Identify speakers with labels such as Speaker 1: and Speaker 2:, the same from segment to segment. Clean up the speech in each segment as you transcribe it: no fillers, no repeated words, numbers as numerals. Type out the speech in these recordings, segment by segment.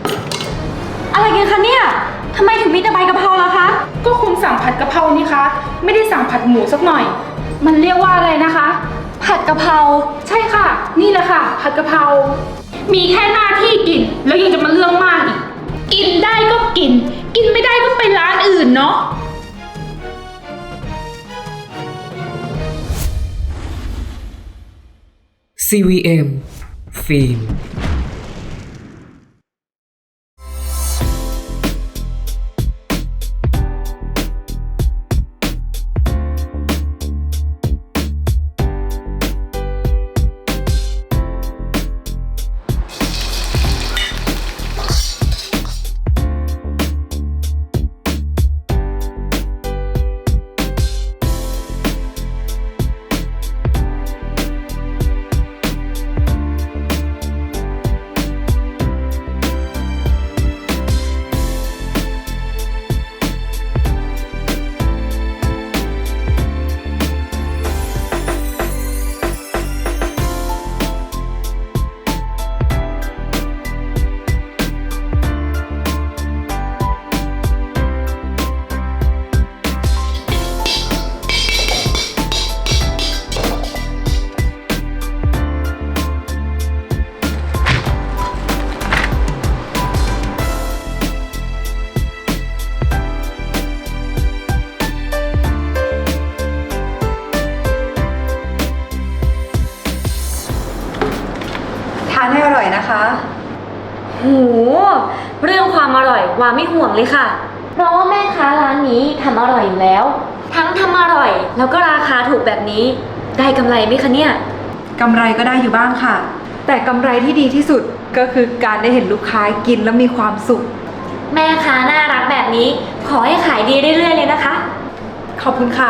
Speaker 1: อะไรกันคะเนี่ยทำไมถึงมีแต่ใบกะเพราล่ะคะ
Speaker 2: ก็คุณสั่งผัดกะเพรานี่คะไม่ได้สั่งผัดหมูสักหน่อยมันเรียกว่าอะไรนะคะ
Speaker 1: ผัดกะเพรา
Speaker 2: ใช่ค่ะนี่แหละค่ะผัดกะเพรามีแค่หน้าที่กินแล้วยังจะมาเรื่องมากอีกกินได้ก็กินกินไม่ได้ก็ไปร้านอื่นเนาะ
Speaker 3: CVM ฟิล์ม
Speaker 4: ทานให้อร่อยนะคะ
Speaker 1: โหเรื่องความอร่อยวาไม่ห่วงเลยค่ะ เพราะว่าแม่ค้าร้านนี้ทำอร่อยอยู่แล้ว ทั้งทำอร่อยแล้วก็ราคาถูกแบบนี้ ได้กำไรไหมคะเนี่ย
Speaker 4: กำไรก็ได้อยู่บ้างค่ะ แต่กำไรที่ดีที่สุดก็คือการได้เห็นลูกค้ากินแล้วมีความสุข
Speaker 1: แม่ค้าน่ารักแบบนี้ ขอให้ขายดีเรื่อยๆเลยนะคะ
Speaker 4: ขอบคุณค่ะ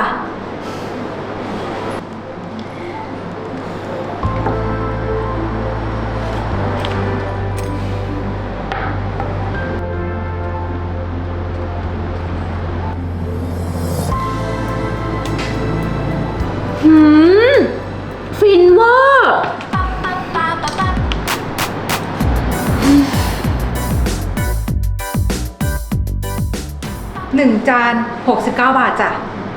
Speaker 1: หืม ฟินเวอร์
Speaker 4: 1 จาน 69 บาทจ้ะ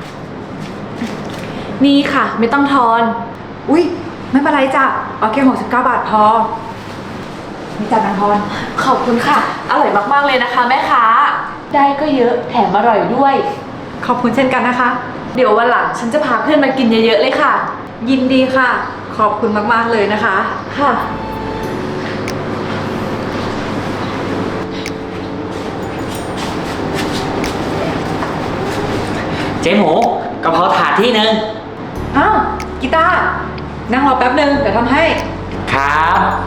Speaker 1: นี่ค่ะ ไม่ต้องทอน
Speaker 4: อุ๊ย ไม่เป็นไรจ้ะ เอาแค่69 บาทพอมีจ่ายนางทอน
Speaker 1: ขอบคุณค่ะ อร่อยมากๆเลยนะคะแม่ค้า ได้ก็เยอะแถมอร่อยด้วย
Speaker 4: ขอบคุณเช่นกันนะคะ
Speaker 1: เดี๋ยววันหลังฉันจะพาเพื่อนมากินเยอะๆเลยค่ะ
Speaker 4: ยินดีค่ะ ขอบคุณมากๆเลยนะคะ
Speaker 1: ค่ะ
Speaker 5: เจ๊หมูกะเพราถาดที่หนึ่ง
Speaker 4: อ้าวกีตาร์นั่งรอแป๊บนึง เดี๋ยวทำให้
Speaker 5: ครับ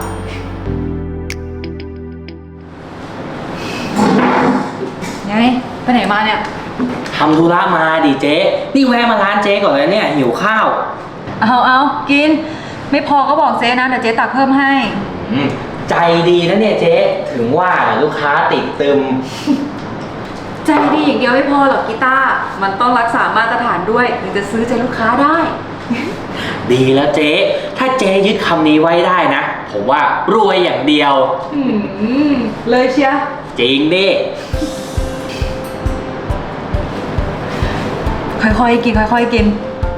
Speaker 4: ไง ไปไหนมาเนี่ย
Speaker 5: ทำธุระมาดิเจ๊นี่แวะมาร้านเจ๊ก่อนเลยเนี่ยหิวข้าว
Speaker 4: เอากิน ไม่พอก็บอกเจ๊นะ เดี๋ยวเจ๊ตักเพิ่มให้
Speaker 5: ใจดีนะเนี่ยเจ๊ถึงว่าลูกค้าติดตึม
Speaker 4: ใจดีอย่างเดียวไม่พอหรอกกีตาร์มันต้องรักษามาตรฐานด้วยถึงจะซื้อใจลูกค้าได้
Speaker 5: ดีแล้วเจ๊ถ้าเจ๊ยึดคำนี้ไว้ได้นะ ผมว่ารวยอย่างเดียว
Speaker 4: เลยเชียร์
Speaker 5: จริงดิ
Speaker 4: ค่อยๆกินค่อยๆกิน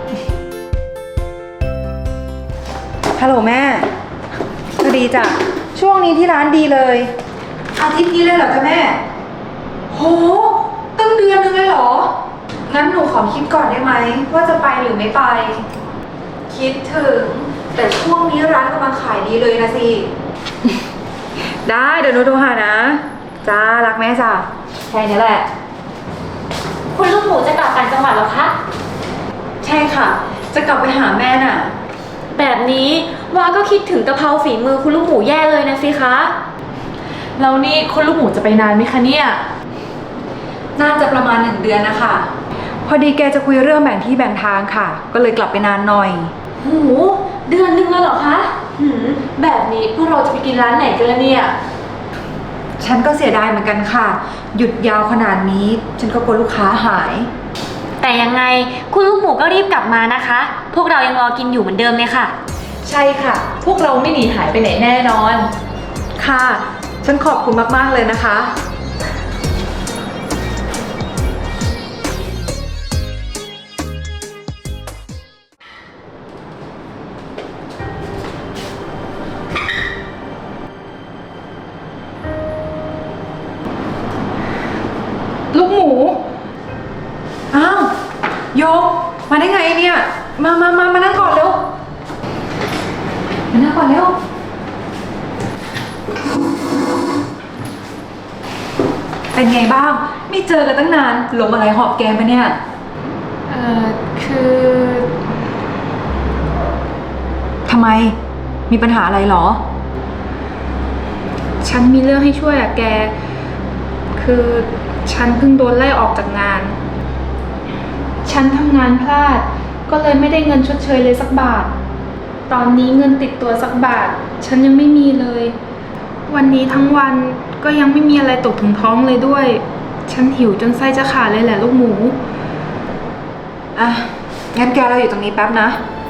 Speaker 4: ฮัลโหลแม่ก็ดีจ้ะ ช่วงนี้ที่ร้านดีเลย อาทิตย์นี้เลยเหรอจ๊ะแม่ โห ตั้งเดือนนึงเลยเหรอ งั้นหนูขอคิดก่อนได้ไหมว่าจะไปหรือไม่ไป คิดถึง แต่ช่วงนี้ร้านกำลังขายดีเลยนะสิ ได้เดี๋ยวหนูโทรหานะ จ้า รักแม่จ้ะแค่นี้แหละ
Speaker 1: คุณลูกหมูจะกลับต่างจังหวัดเหรอคะ
Speaker 4: ใช่ค่ะ จะกลับไปหาแม่น่ะ
Speaker 1: แบบนี้วาก็คิดถึงกะเพราฝีมือคุณลูกหมูแย่เลยนะสิคะ
Speaker 2: แล้วนี่คุณลูกหมูจะไปนานไหมคะเนี่ย
Speaker 4: น่าจะประมาณ1 เดือนนะคะ พอดีแกจะคุยเรื่องแบ่งที่แบ่งทางค่ะ ก็เลยกลับไปนานหน่อย
Speaker 1: โห เดือนหนึ่งเลยเหรอคะแบบนี้พวกเราจะไปกินร้านไหนกันล่ะเนี่ย
Speaker 4: ฉันก็เสียดายเหมือนกันค่ะ หยุดยาวขนาดนี้ ฉันก็กลัวลูกค้าหาย
Speaker 1: แต่ยังไงคุณลูกหมูก็รีบกลับมานะคะ พวกเรายังรอกินอยู่เหมือนเดิมเลยค่ะ
Speaker 2: ใช่ค่ะ พวกเราไม่หนีหายไปไหนแน่นอน
Speaker 4: ค่ะฉันขอบคุณมากๆเลยนะคะ
Speaker 2: ลูกหมู
Speaker 4: อ้าว โยก มาได้ไงเนี่ย มานั่งก่อนเร็ว มานั่งก่อนเร็ว เป็นไงบ้าง ไม่เจอกันตั้งนานลมอะไรหอบแกมปะเนี่ย
Speaker 2: คือ
Speaker 4: ทำไม มีปัญหาอะไรเหรอ
Speaker 2: ฉันมีเรื่องให้ช่วยอะแก คือฉันเพิ่งโดนไล่ออกจากงาน ฉันทำงานพลาด ก็เลยไม่ได้เงินชดเชยเลยสักบาท ตอนนี้เงินติดตัวสักบาท ฉันยังไม่มีเลย วันนี้ทั้งวันก็ยังไม่มีอะไรตกถึงท้องเลยด้วย ฉันหิวจนไส้จะขาดเลยแหละลูกหมู
Speaker 4: อ่ะ งั้นแกเราอยู่ตรงนี้แป๊บนะ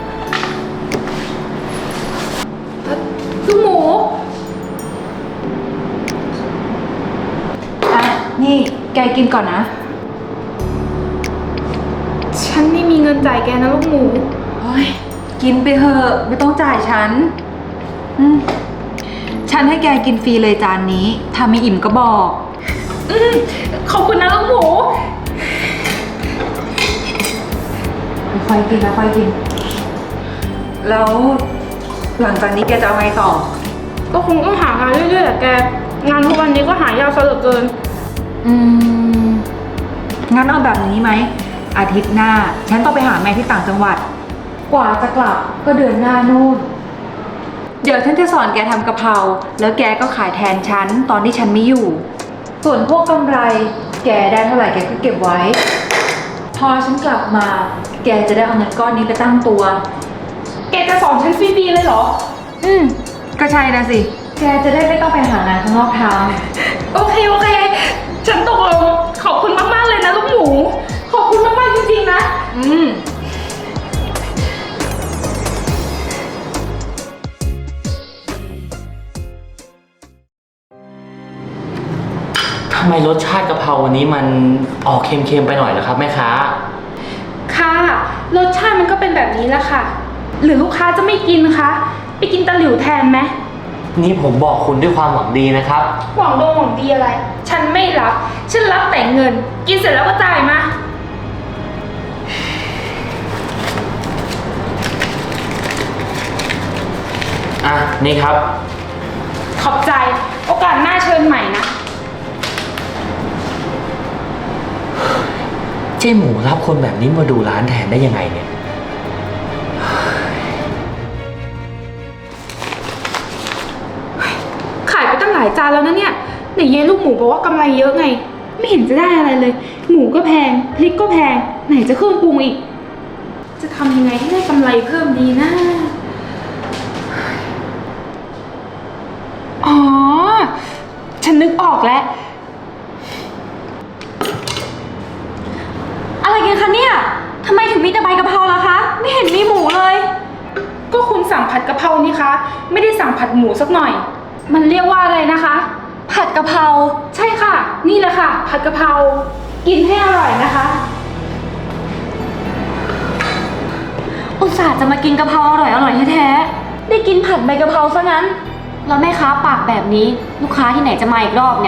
Speaker 2: ลูกหมู
Speaker 4: อ่ะ นี่แกกินก่อนนะ
Speaker 2: ฉันไม่มีเงินจ่ายแกนะลูกหมู
Speaker 4: โอ้ยกินไปเถอะไม่ต้องจ่ายฉัน ฉันให้แกกินฟรีเลยจานนี้ถ้าไม่อิ่มก็บอก
Speaker 2: ขอบคุณนะลูกหมู
Speaker 4: ค่อยๆกินนะค่อยๆกิน แล้วหลังจากนี้แกจะเอาไงต่อ
Speaker 2: ก็คงต้องหางานเรื่อยๆแหละแก งานทุกวันนี้ก็หายากซะเหลือเกิน
Speaker 4: งั้นเอาแบบนี้ไหม อาทิตย์หน้า ฉันต้องไปหาแม่ที่ต่างจังหวัด กว่าจะกลับก็เดือนหน้านู่น เดี๋ยวฉันจะสอนแกทำกะเพรา แล้วแกก็ขายแทนฉันตอนที่ฉันไม่อยู่ ส่วนพวกกำไร แกได้เท่าไหร่แกก็เก็บไว้ พอฉันกลับมา แกจะได้เอาเงินก้อนนี้ไปตั้งตัว
Speaker 2: แกจะสอนฉันฟรีๆเลยเหรอ
Speaker 4: ก็ใช่นะสิ แกจะได้ไม่ต้องไปหางานข้างนอกท
Speaker 2: โอเค ฉันตกลง ขอบคุณมากๆเลยนะลูกหมู ขอบคุณมากๆจริงๆนะ
Speaker 5: ทำไมรสชาติกะเพราวันนี้มันออกเค็มๆไปหน่อยเหรอครับแม่ค้า
Speaker 2: ค่ะ รสชาติมันก็เป็นแบบนี้แหละค่ะ หรือลูกค้าจะไม่กินคะ ไปกินตะหลิวแทนไหม
Speaker 5: นี่ผมบอกคุณด้วยความหวังดีนะครับ
Speaker 2: หวังดีอะไร ฉันไม่รับ ฉันรับแต่เงิน กินเสร็จแล้วก็จ่ายมา
Speaker 5: อ่ะ นี่ครับ
Speaker 2: ขอบใจ โอกาสหน้าเชิญใหม่นะ
Speaker 5: เจ๊หมูรับคนแบบนี้มาดูร้านแทนได้ยังไงเนี่ย
Speaker 2: ขายไปตั้งหลายจานแล้วนะเนี่ยไหนเยลูกหมูบอกว่ากำไรเยอะไง ไม่เห็นจะได้อะไรเลย หมูก็แพง พริกก็แพง ไหนจะเครื่องปรุงอีก จะทำยังไงให้ได้กำไรเพิ่มดีนะ อ๋อ ฉันนึกออกแล้ว
Speaker 1: อะไรกันคะเนี่ยทำไมถึงมีแต่ใบกะเพราล่ะคะ ไม่เห็นมีหมูเลย
Speaker 2: ก็คุณสั่งผัดกะเพรานี่คะ ไม่ได้สั่งผัดหมูสักหน่อย มันเรียกว่าอะไรนะคะ
Speaker 1: ผัดกะเพรา
Speaker 2: ใช่ค่ะ นี่แหละค่ะ ผัดกะเพรา กินให้อร่อยนะคะ
Speaker 1: อุตส่าห์จะมากินกะเพราอร่อยแท้ๆได้กินผัดใบกะเพราซะงั้น แล้วแม่ค้าปากแบบนี้ ลูกค้าที่ไหนจะมาอีกรอบเนี่ย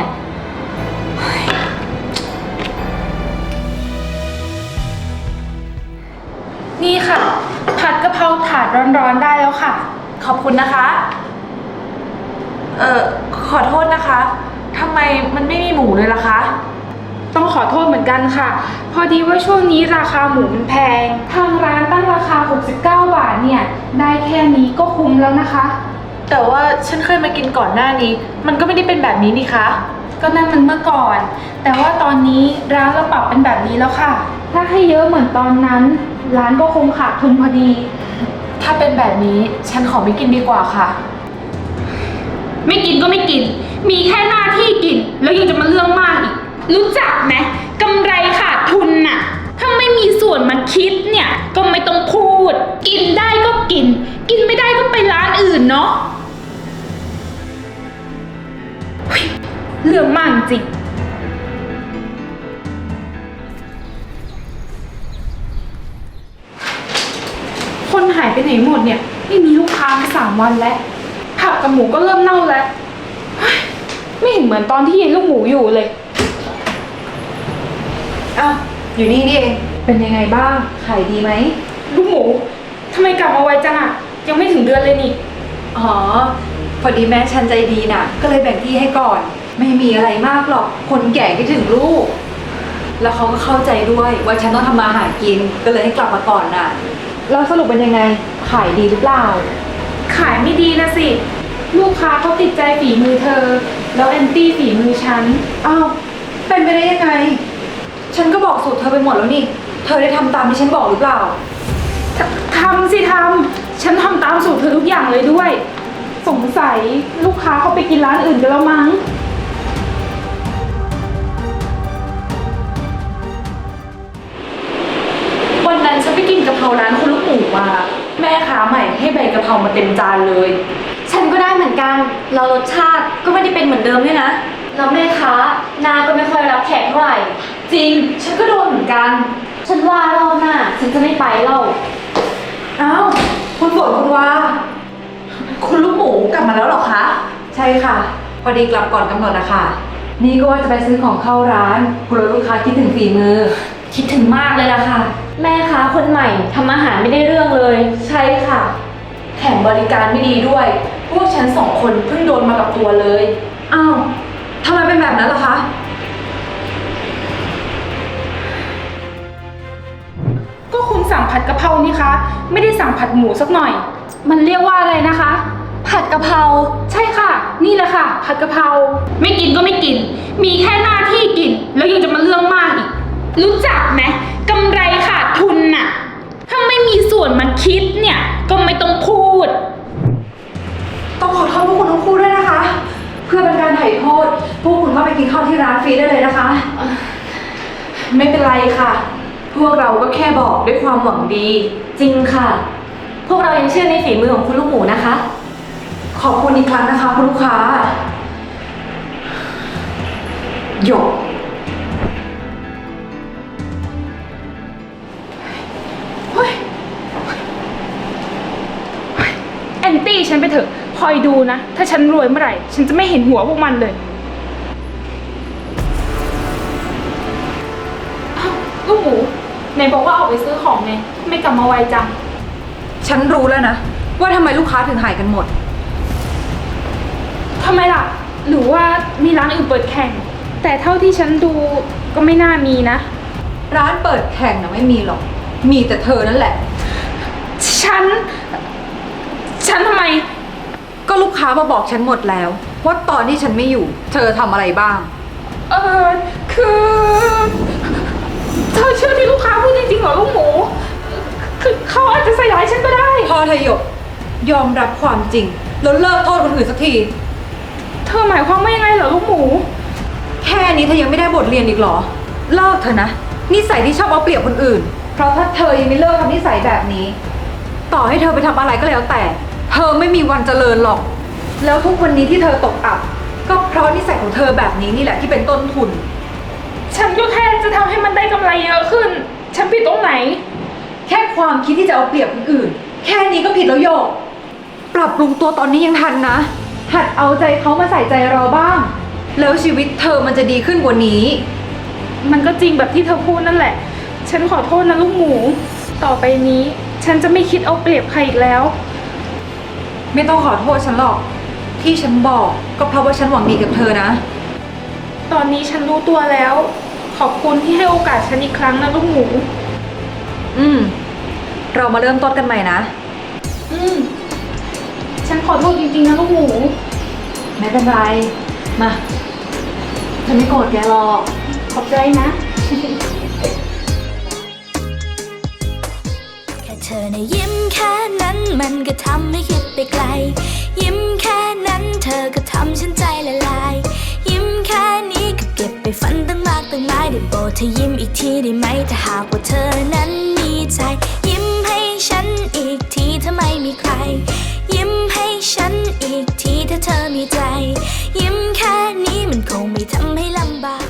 Speaker 2: นี่ค่ะ ผัดกะเพราถาดร้อนๆได้แล้วค่ะ
Speaker 4: ขอบคุณนะคะ ขอโทษนะคะทำไมมันไม่มีหมูเลยล่ะคะ
Speaker 2: ต้องขอโทษเหมือนกันค่ะ พอดีว่าช่วงนี้ราคาหมูมันแพง ทางร้านตั้งราคา 69 บาทเนี่ย ได้แค่นี้ก็คุ้มแล้วนะคะ
Speaker 4: แต่ว่าฉันเคยมากินก่อนหน้านี้ มันก็ไม่ได้เป็นแบบนี้นี่คะ
Speaker 2: ก็นั่นมันเมื่อก่อน แต่ว่าตอนนี้ร้านเราปรับเป็นแบบนี้แล้วค่ะ ถ้าให้เยอะเหมือนตอนนั้น ร้านก็คงขาดทุนพอดี
Speaker 4: ถ้าเป็นแบบนี้ฉันขอไม่กินดีกว่าค่ะ
Speaker 2: ไม่กินก็ไม่กิน มีแค่หน้าที่กิน แล้วยังจะมาเรื่องมากอีก รู้จักไหมกำไรขาดทุนน่ะ ถ้าไม่มีส่วนมาคิดเนี่ย ก็ไม่ต้องพูด กินได้ก็กิน กินไม่ได้ก็ไปร้านอื่นเนาะรื่องมากจริงคนหายไปไหนหมดเนี่ยไม่มีลูกค้ามา3 วันแล้วผักกับหมูก็เริ่มเน่าแล้วเฮ้ยไม่เห็นเหมือนตอนที่ยายลูกหมูอยู่เลย
Speaker 4: อ้าว อยู่นี่นี่เอง เป็นยังไงบ้าง ขายดีไหม
Speaker 2: ลูกหมูทำไมกลับมาไวจังอะยังไม่ถึงเดือนเลยนี่
Speaker 4: อ๋อ พอดีแม่ฉันใจดีน่ะ ก็เลยแบ่งที่ให้ก่อน ไม่มีอะไรมากหรอก คนแก่คิดถึงลูก แล้วเขาก็เข้าใจด้วยว่าฉันต้องทำมาหากิน ก็เลยให้กลับมาก่อนน่ะ แล้วสรุปเป็นยังไง ขายดีหรือเปล่า
Speaker 2: ขายไม่ดีนะสิ ลูกค้าเขาติดใจฝีมือเธอ แล้วแอนตี้ฝีมือฉัน
Speaker 4: อ้าว เป็นไปได้ยังไง ฉันก็บอกสูตรเธอไปหมดแล้วนี่ เธอได้ทำตามที่ฉันบอกหรือเปล่า
Speaker 2: ทำสิทำฉันทำตามสูตรเธอทุกอย่างเลยด้วย สงสัยลูกค้าเขาไปกินร้านอื่นกันแล้วมั้ง วันนั้นฉันไปกินกะเพราร้านคุณลูกหมูมา แม่ค้าใหม่ให้ใบกะเพรามาเต็มจานเลย
Speaker 1: ฉันก็ได้เหมือนกันเรารสชาติก็ไม่ได้เป็นเหมือนเดิมด้วยนะแล้วแม่ค้าหน้าก็ไม่ค่อยรับแขกเท่าไหร่
Speaker 2: จริง ฉันก็โดนเหมือนกัน
Speaker 1: ฉันว่ารอบหน้าฉันจะไม่ไปเล่า
Speaker 4: อ้าว คุณฝนคุณวา
Speaker 2: คุณลูกหมูกลับมาแล้วเหรอคะ
Speaker 4: ใช่ค่ะ พอดีกลับก่อนกำหนดนะคะ นี่ก็ว่าจะไปซื้อของเข้าร้านกลัวลูกค้าคิดถึงฝีมือ
Speaker 1: คิดถึงมากเลยล่ะค่ะ แม่ค้าคนใหม่ทำอาหารไม่ได้เรื่องเลย
Speaker 2: ใช่ค่ะ แถมบริการไม่ดีด้วย พวกฉัน2 คนเพิ่งโดนมากับตัวเลย
Speaker 4: อ้าวทำไมเป็นแบบนั้นล่ะคะ
Speaker 2: ก็คุณสั่งผัดกะเพรานี่คะ ไม่ได้สั่งผัดหมูสักหน่อย มันเรียกว่าอะไรนะคะ
Speaker 1: ผัดกะเพรา
Speaker 2: ใช่ค่ะ นี่แหละค่ะ ผัดกะเพราไม่กินก็ไม่กิน มีแค่หน้าที่กิน แล้วยังจะมาเรื่องมากอีก รู้จักไหมกำไรขาดทุนน่ะ ถ้าไม่มีส่วนมาคิดเนี่ย ก็ไม่ต้องพูด
Speaker 4: ต้องขอโทษพวกคุณทั้งคู่ด้วยนะคะ เพื่อเป็นการไถ่โทษ พวกคุณก็ไปกินข้าวที่ร้านฟรีได้เลยนะคะ
Speaker 2: ไม่เป็นไรค่ะ พวกเราก็แค่บอกด้วยความหวังดี
Speaker 1: จริงค่ะ พวกเรายังเชื่อในฝีมือของคุณลูกหมูนะคะ
Speaker 4: ขอบคุณอีกครั้งนะคะคุณลูกค้า หยก
Speaker 2: แอนตี้ฉันไปเถอะ คอยดูนะ ถ้าฉันรวยเมื่อไหร่ ฉันจะไม่เห็นหัวพวกมันเลยอ้าวลูกหมูไหนบอกว่าออกไปซื้อของไงไม่กลับมาไวจัง
Speaker 4: ฉันรู้แล้วนะ ว่าทำไมลูกค้าถึงหายกันหมด
Speaker 2: ทำไมล่ะ หรือว่ามีร้านอื่นเปิดแข่ง แต่เท่าที่ฉันดูก็ไม่น่ามีนะ
Speaker 4: ร้านเปิดแข่งนะไม่มีหรอก มีแต่เธอนั่นแหละ
Speaker 2: ฉันทำไม
Speaker 4: ก็ลูกค้ามาบอกฉันหมดแล้ว ว่าตอนที่ฉันไม่อยู่ เธอทำอะไรบ้าง
Speaker 2: คือเธอเชื่อที่ลูกค้าพูดจริงๆเหรอลูกหมู คือเขาอาจจะใส่ร้ายฉันก็ได้
Speaker 4: พอเธอหยก ยอมรับความจริง แล้วเลิกโทษคนอื่นสักที
Speaker 2: เธอหมายความว่ายังไงเหรอลูกหมู
Speaker 4: แค่นี้เธอยังไม่ได้บทเรียนอีกเหรอ เลิกเถอะนะ นิสัยที่ชอบเอาเปรียบคนอื่น เพราะถ้าเธอยังไม่เลิกทำนิสัยแบบนี้ ต่อให้เธอไปทำอะไรก็แล้วแต่ เธอไม่มีวันเจริญหรอก แล้วทุกวันนี้ที่เธอตกอับ ก็เพราะนิสัยของเธอแบบนี้นี่แหละที่เป็นต้นทุน
Speaker 2: ฉันก็แค่จะทำให้มันได้กำไรเยอะขึ้น ฉันผิดตรงไหน
Speaker 4: แค่ความคิดที่จะเอาเปรียบคนอื่น แค่นี้ก็ผิดแล้วโยก ปรับปรุงตัวตอนนี้ยังทันนะ หัดเอาใจเขามาใส่ใจเราบ้าง แล้วชีวิตเธอมันจะดีขึ้นกว่านี้
Speaker 2: มันก็จริงแบบที่เธอพูดนั่นแหละ ฉันขอโทษนะลูกหมู ต่อไปนี้ ฉันจะไม่คิดเอาเปรียบใครอีกแล้ว
Speaker 4: ไม่ต้องขอโทษฉันหรอก ที่ฉันบอกก็เพราะว่าฉันหวังดีกับเธอนะ
Speaker 2: ตอนนี้ฉันรู้ตัวแล้ว ขอบคุณที่ให้โอกาสฉันอีกครั้งนะลูกหมู
Speaker 4: เรามาเริ่มต้นกันใหม่นะ
Speaker 2: ฉันขอโทษจริงๆนะลูกหมู
Speaker 4: ไม่เป็นไร มาฉันไม่โกรธแกหรอก
Speaker 2: ขอบใจนะ
Speaker 6: แค่เธอนะยิ้มแค่นั้นมันก็ทำให้คิดไปไกล ยิ้มแค่นั้นเธอก็ทำฉันใจละลาย ยิ้มแค่นี้ก็เก็บไปฝันตั้งมากตั้งหลายได้โปรดเธอยิ้มอีกทีได้ไหมถ้าหากว่าเธอนั้นมีใจ ยิ้มให้ฉันอีกทีถ้าไม่มีใคร ยิ้มให้ฉันอีกทีถ้าเธอมีใจ ยิ้มแค่นี้มันคงไม่ททำให้ลำบาก